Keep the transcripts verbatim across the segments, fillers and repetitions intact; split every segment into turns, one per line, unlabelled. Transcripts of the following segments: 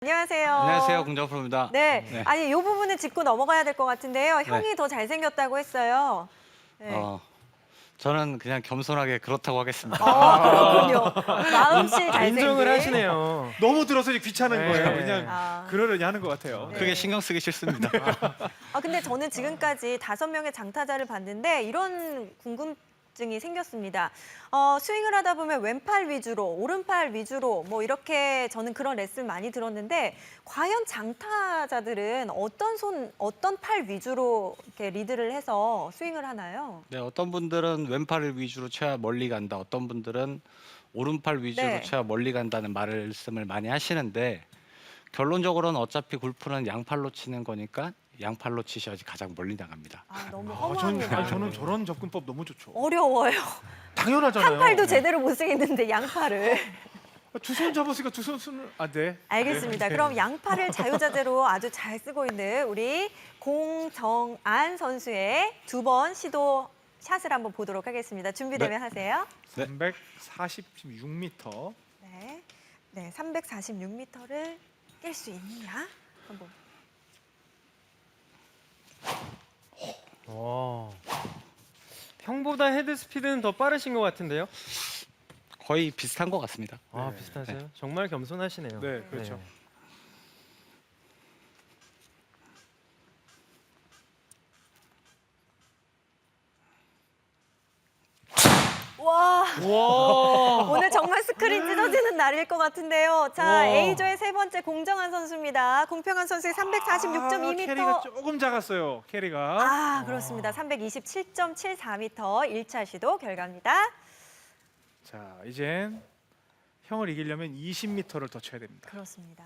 안녕하세요.
안녕하세요, 공정 프로입니다.
네.
네.
아니, 이 부분은 짚고 넘어가야 될 것 같은데요. 형이
네.
더 잘생겼다고 했어요. 네.
어, 저는 그냥 겸손하게 그렇다고 하겠습니다.
아, 그렇군요. 마음씨 잘생긴.
인정을 하시네요.
너무 들어서 이제 귀찮은
네.
거예요. 그냥
아.
그러려니 하는 것 같아요.
네.
크게 신경 쓰기 싫습니다.
아, 근데 저는 지금까지 다섯 명의 장타자를 봤는데 이런 궁금증이 생겼습니다. 어, 스윙을 하다 보면 왼팔 위주로, 오른팔 위주로 뭐 이렇게 저는 그런 레슨 많이 들었는데 과연 장타자들은 어떤 손, 어떤 팔 위주로 이렇게 리드를 해서 스윙을 하나요?
네, 어떤 분들은 왼팔을 위주로 쳐야 멀리 간다. 어떤 분들은 오른팔 위주로
네.
쳐야 멀리 간다는 말씀을 많이 하시는데 결론적으로는 어차피 골프는 양팔로 치는 거니까 양팔로 치셔야지 가장 멀리 나갑니다.
아, 너무
아, 전,
허무합니다.
아니, 저는 저런 접근법 너무 좋죠.
어려워요.
당연하잖아요.
한 팔도 제대로 못 쓰겠는데 양팔을.
두 손 잡았으니까 두 손 쓰는 아 네.
알겠습니다.
네.
그럼 양팔을 자유자재로 아주 잘 쓰고 있는 우리 공정안 선수의 두 번 시도 샷을 한번 보도록 하겠습니다. 준비되면
네.
하세요.
네.
삼백사십육 미터.
네, 네, 삼백사십육 미터를 깰 수 있느냐? 한번.
와. 형보다 헤드 스피드는 더 빠르신 것 같은데요?
거의 비슷한 것 같습니다.
아,
네.
비슷하세요?
네.
정말 겸손하시네요.
네, 그렇죠.
와,
와.
오늘 정말 스크린 찢어지는 날일 것 같은데요. 자,
와.
A조의 세 번째 공정한 선수입니다. 공평한 선수의 삼백사십육 점 이 미터.
아, 캐리가 조금 작았어요. 캐리가.
아, 그렇습니다. 삼백이십칠 점 칠사 미터 일 차 시도 결과입니다.
자, 이젠 형을 이기려면 이십 미터를 더 쳐야 됩니다.
그렇습니다.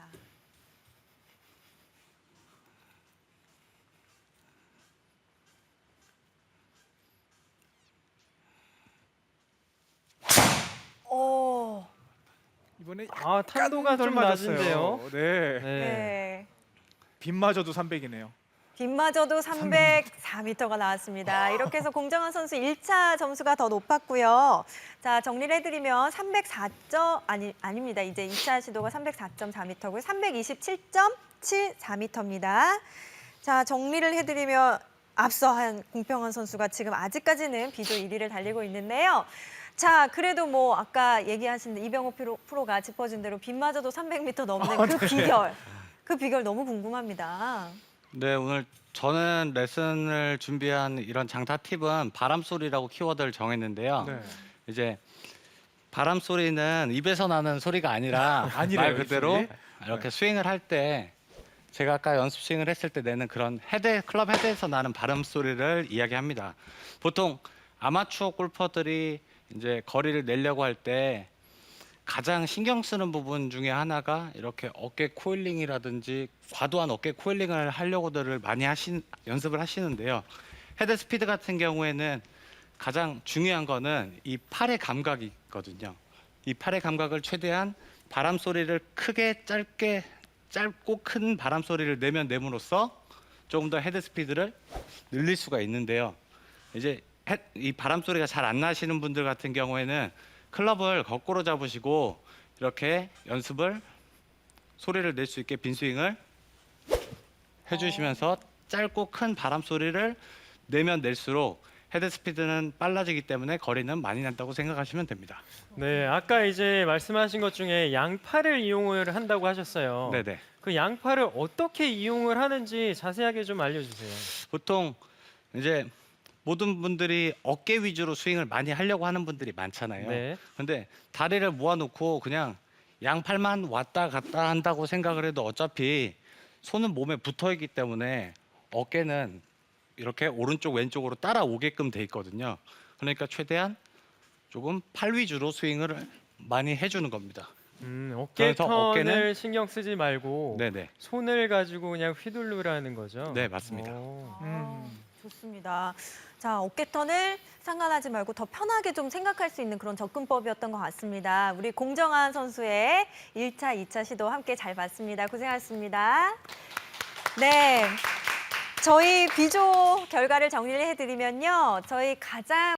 오,
이번에
아, 탄도가
약간
좀
맞았어요.
낮은데요.
네.
네.
네.
빗마저도 삼백이네요.
빗마저도 삼백사 미터가 나왔습니다. 이렇게 해서 공정한 선수 일 차 점수가 더 높았고요. 자, 정리를 해드리면 삼백사 점, 아니, 아닙니다. 이제 이 차 시도가 삼백사 점 사 미터고요. 삼백이십칠 점 칠사 미터입니다. 자, 정리를 해드리면 앞서 한 공평한 선수가 지금 아직까지는 비조 일 위를 달리고 있는데요. 자, 그래도 뭐 아까 얘기하신 이병호 프로, 프로가 짚어준 대로 빗마저도 삼백 미터 넘는
아,
그
네.
비결, 그 비결 너무 궁금합니다.
네, 오늘 저는 레슨을 준비한 이런 장타 팁은 바람 소리라고 키워드를 정했는데요.
네.
이제 바람 소리는 입에서 나는 소리가 아니라
아니래요,
말 그대로
이 소리.
이렇게
네.
스윙을 할 때 제가 아까 연습 스윙을 했을 때 내는 그런 헤드 클럽 헤드에서 나는 바람 소리를 이야기합니다. 보통 아마추어 골퍼들이 이제 거리를 내려고 할 때 가장 신경 쓰는 부분 중에 하나가 이렇게 어깨 코일링이라든지 과도한 어깨 코일링을 하려고들 많이 하신 연습을 하시는데요. 헤드 스피드 같은 경우에는 가장 중요한 거는 이 팔의 감각이 있거든요. 이 팔의 감각을 최대한 바람 소리를 크게 짧게 짧고 큰 바람 소리를 내면 내므로써 조금 더 헤드 스피드를 늘릴 수가 있는데요. 이제 헤, 이 바람 소리가 잘 안 나시는 분들 같은 경우에는 클럽을 거꾸로 잡으시고 이렇게 연습을 소리를 낼 수 있게 빈스윙을 해주시면서 짧고 큰 바람 소리를 내면 낼수록 헤드 스피드는 빨라지기 때문에 거리는 많이 난다고 생각하시면 됩니다.
네, 아까 이제 말씀하신 것 중에 양팔을 이용을 한다고 하셨어요.
네네.
그 양팔을 어떻게 이용을 하는지 자세하게 좀 알려주세요.
보통 이제 모든 분들이 어깨 위주로 스윙을 많이 하려고 하는 분들이 많잖아요.
네.
근데 다리를 모아놓고 그냥 양팔만 왔다 갔다 한다고 생각을 해도 어차피 손은 몸에 붙어 있기 때문에 어깨는 이렇게 오른쪽 왼쪽으로 따라오게끔 돼 있거든요. 그러니까 최대한 조금 팔 위주로 스윙을 많이 해주는 겁니다.
음, 어깨
그래서
턴을
어깨는-
신경 쓰지 말고
네네.
손을 가지고 그냥 휘두르라는 거죠.
네, 맞습니다.
오.
아, 좋습니다. 자, 어깨턴을 상관하지 말고 더 편하게 좀 생각할 수 있는 그런 접근법이었던 것 같습니다. 우리 공정한 선수의 일 차, 이 차 시도 함께 잘 봤습니다. 고생하셨습니다. 네, 저희 비조 결과를 정리를 해드리면요. 저희 가장